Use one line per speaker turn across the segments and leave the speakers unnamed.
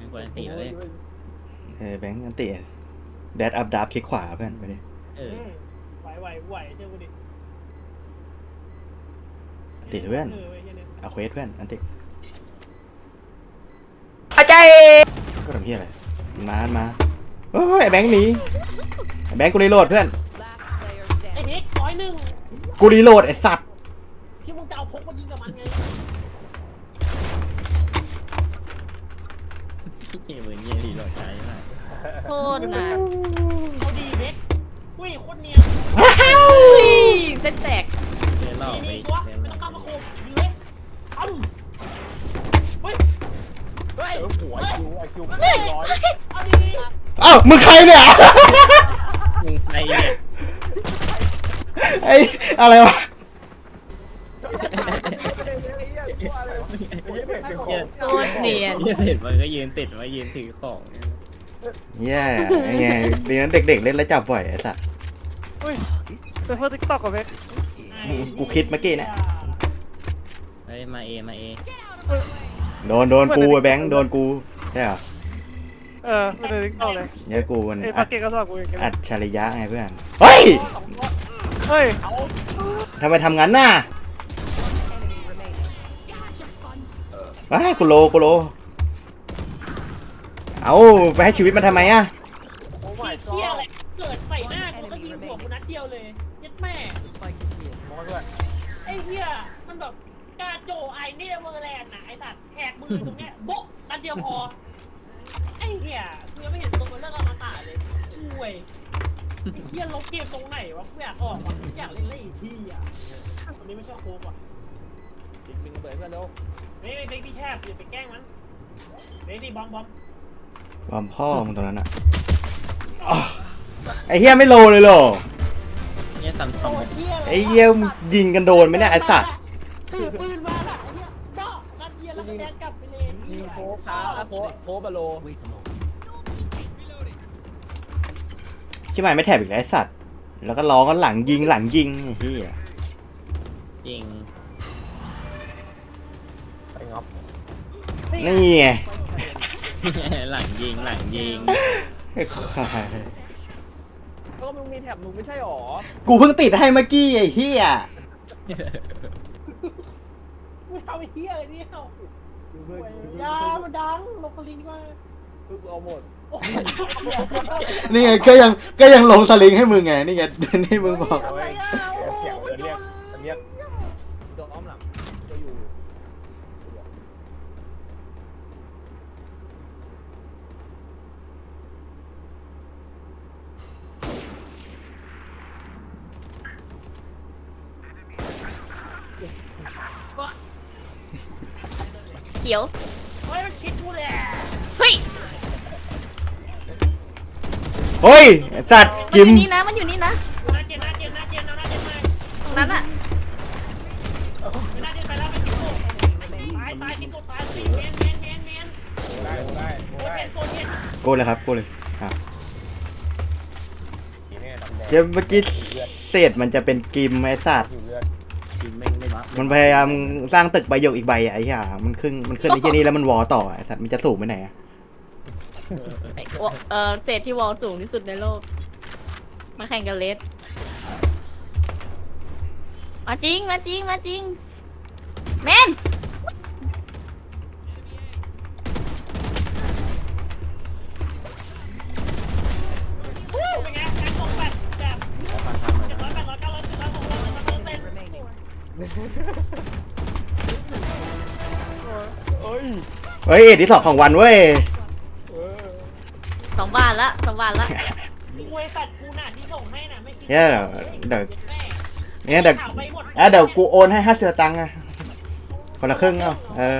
กวนตีเลย
แบงค์อันติแดดอัพดับคลิกขวาเพื่อนไปดิ
ไหวเชื่อกูดิ
อันติเพื่อนเอาเควสเพื่อนอันติ
อาจารย์
ก็ทำเพี้ยอะไรมาโอ้ยแบงค์หนีแบงค์กูรีโหลดเพื่อน
ไอ้เน็ก101
กูรีโหลดไอ้สัตว์
ที่มึงจะเอาพกมายิงกับมันไง
เหมือนเงี้ยดีหลอดใจมาก
โคตรนะ
เอาดีเน็กอุ้ยโคตรเนียน
เส้นแตก
เล่าไป
ตัวไม่ต้องก้าวมาโคมดีเว้ยเฮ้ย
หัวคิว
เอาดี
อ้าวมึงใครเนี่ย
มึงใครเนี่ย
ไอ้อะไรวะ
โคตรเนียน
เห็นมันก็ยืนติดมายืนถือของ
แย่ไงดีนั้นเด็กๆเล่นแล้วจับบ่อยไอ้สัส
เป็นเพื่อนติ๊กต็อกกับเพชร
กูคิดเมื่อกี้นะ
เฮ้ยมาเอ
โดนกูแบงค์โดนกูใช่เหรอ
เป็นติ๊กต็อกเลย
เนี่ยกูมัน
อัดเก่งก็สอบกูเอง
อัดชาริยะไงเพื่อนเฮ้ยทำไมทำงั้นน่ะว้ากูโลเอาไปให้ชีวิตมันทำไมอ่ะ
เหี้ยอะไรเกิดใส่หน้ากูก็ยิงหัวกูนัดเดียวเลยยัดแม่ไอ้เหี้ยมันแบบกาโจไอ้นี่เมอร์แลนด์นะไอ้สัตว์แหกมือตรงเนี้ยโบ๊ะนัดเดียวพอไอ้เหี้ยกูยังไม่เห็นตัวมันเลิกเอามาตาเลยช่วยไอ้เหี้ยลบเกมตรงไหนวะกูอยากออกอยากเล่นเล่นอีกทีอ่ะวันนี้ไม่ชอบโค้กว่ะ
บิงเบิร์ดกันเร็ว
ไม่พี่แทบอย่าไปแกล้งมันนี่บอม
พ่อมึงตรงนั้นอ่ะไอ้เหี้ยไม่โลเลยหรอ
เนี่ยซัมซุง
ไอ้เหี้ยยิงกันโดนไหมเนี่ยไอ้สัตว์
ถือปืนมาล่ะไอ้เหี้ยบ้านัดเดียวแล้วก็แดนกลับไปเลย
ยิงโค้บาโล
ชิบหายไม่แถบอีกแล้วไอ้สัตว์แล้วก็ร้องกันหลังยิงไอ้เหี้ย
จริง
ไปงับ
นี่ไง
หลังยิง
ไอ้ควาย
ก็มึงมีแถบมึงไม่ใช่หรอ
กูเพิ่งติดให้เมื่อกี้ไอ้เหี้ย
มึงทำไอ้เหี้ยอะไรเนี่ยยามันดังลงสลิงว่า
เอาหมด
นี่ไงก็ยังลงสลิงให้มึงไงนี่ไงนี่มึงบอก
เสียงเรียกตัวอ้อมหลังจะอยู่
เขียว
เฮ้ยมันคิดกูแหละ
เฮ้ย
สัตว์กิม
มันอยู่นี่นะ
น่าเจนมา
ตรงนั้นอ่ะ
น่าเจนไปแล้วไปคิดกูตายคิดกูตายสิเมน
ได้
โกเลยครับโกเลยเดี๋ยวเมื่อกี้เศษมันจะเป็นกิมไอ้สัตว์มันพยายามสร้างตึกใบหยกอีกใบไอ้เหี้ยมันขึ้นไอ้เหี้ยนี่แล้วมันวอต่อไอ้สัตว์มันจะสูงไปไหนอะ
เศษที่วอลสูงที่สุดในโลกมาแข่งกันเลสมาจริงแมน
เป็นไงแอคตรงแบบ
เฮ้ยที่สองของวันเว้ย
2 บาทละ
กูไอ้สัตว์กูน่ะที่ส่งให้น่ะไม่คิด
เดี๋ยวกูโอนให้50 ตังค์อะคนละครึ่งเอา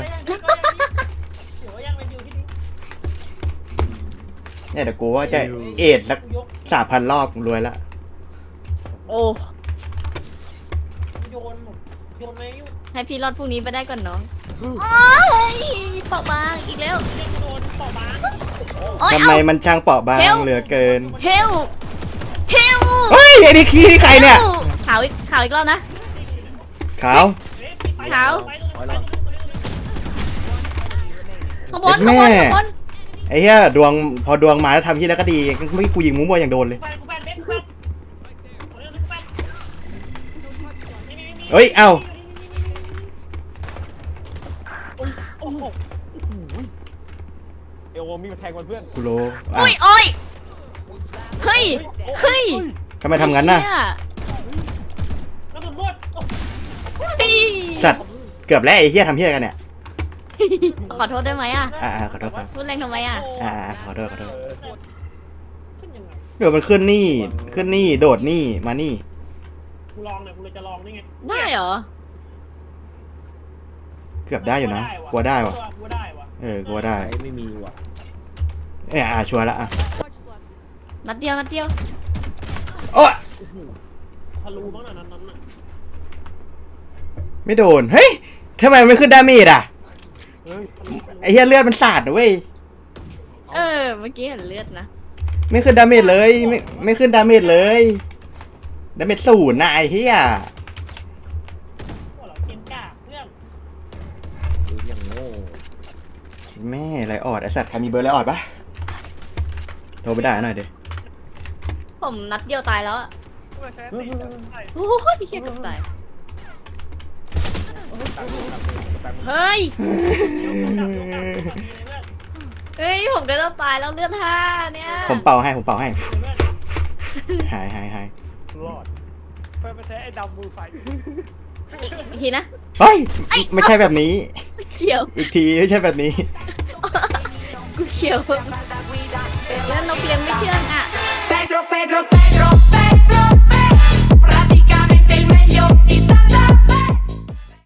เนี่ยเดี๋ยวกูว่าจะเอ็ดสัก3,000 รอบรวยละ
โอ้
โยนไหม
ให้พี่รอดพรุ่งนี้ไปได้ก่อนเนาะโอ้ยเปราะบางอีกแล้ว
ทำไมมันช่างเปราะบางเหลือเกิน
เฮล
เฮ้ยไอ้นี่ขี้ใครเนี่ย
ขาวอีกรอบนะ
ขาว
ข้างบน
ไอ้เหี้ยดวงพอดวงมาแล้วทำที่แล้วก็ดีไม่กูยิงมุ้งบอลอย่างโดนเลย
กูแฟนเบสกูแฟนเอาเรื่องนี้กูแฟนนี่
เฮ้ยเอ้า
โอ้โห
เอลโวมีมาแทงมันเพื่อน
กูโล
อุ้ยโอ้ยเฮ้ยเฮ้ย
ทำไมทำงั้นน่ะ
เชี่ย
กระสุนรวดโอ้
เฮ้ย
สัตว์เกือบแล้วไอ้เหี้ยทำเหี้ยกันเนี่ย
ขอโทษได้ไหมอ่ะ
ขอโทษครับ
พูดแรงทำไมอ่ะ
ขอโทษ
เออ
ขึ้นยังไง
เดี๋ยวมันขึ้นนี่โดดนี่มานี่
กูลองเนี่ยกูเลยจะลองนี่ไง
ได้เหรอ
เกือบได้อยู่นะกลัวได้วะ
กูได้วะ
กลัวได้
ไม่มีว่ะ
ชัวร์ละอ่ะ
นัดเดียวนัดเดียว
โอ้
ทะลุบ้างน่ะนั้นน่ะ
ไม่โดนเฮ้ยทำไมมันไม่ขึ้นดาเมจอ่ะ
เฮ้ย
ไอ้เหี้ยเลือดมันสาดนะเว้ย
เมื่อกี้เห็นเลือดนะ
ไม่ขึ้นดาเมจเลยไม่ขึ้นดาเมจเลยดาเมจ0นะไอ้เหี้ย
พวกเราเกมกล้าเพื่อน
ดูอย่างโง่
แม่ไรออดไอสัตว์ใครมีเบอร์ไรออดปะโทรไปได้หน่อยเดี๋ยว
ผมนัดเดียวตายแล้วอะ
กูมาใช้ตีใช่
โอ้ยเชี่ยเกับตาย
ตังค์
เฮ้ย
เพื่อน
เฮ้ย ผมก็ต้องตายแล้วเลือดห้าเนี่ย
ผมเป่าให้
เพื่อน
หาย
รอดไปแท้ไอ้ดำมือไฟ
อีกทีนะ
เฮ้ยไม่ใช่แบบนี้
เขียว
อีกทีไม่ใช่แบบนี้
กูเขียวแล้วนกเลี้ยงไม่เชื่องอ่ะ
Pedro, Pedro,